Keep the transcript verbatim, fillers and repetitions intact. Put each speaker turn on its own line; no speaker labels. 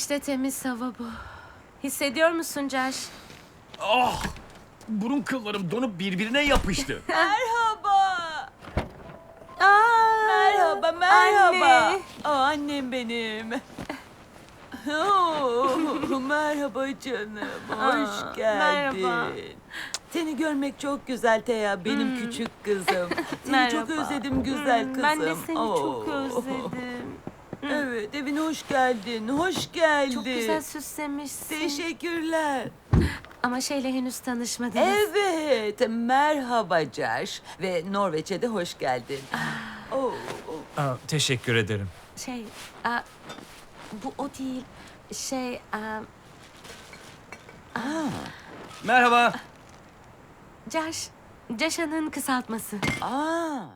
İşte temiz hava bu. Hissediyor musun Caş?
Ah! Burun kıllarım donup birbirine yapıştı.
Merhaba.
Aa,
Merhaba, merhaba.
Anne.
Aa, annem benim. Oo, merhaba canım. Hoş
Aa,
geldin.
merhaba.
Seni görmek çok güzel Teya, benim küçük kızım. Seni çok
Merhaba.
özledim güzel
Hmm,
kızım.
Ben de seni
Oo.
çok özledim.
Evet, evine hoş geldin. Hoş geldin.
Çok güzel süslemişsin.
Teşekkürler.
Ama şeyle henüz tanışmadınız.
Evet, merhaba Caş ve Norveç'e de hoş geldin. Oo, oo.
Aa, teşekkür ederim.
Şey, aa, bu o değil. Şey, aa,
Merhaba.
Caş, Caşa'nın kısaltması.
Aa.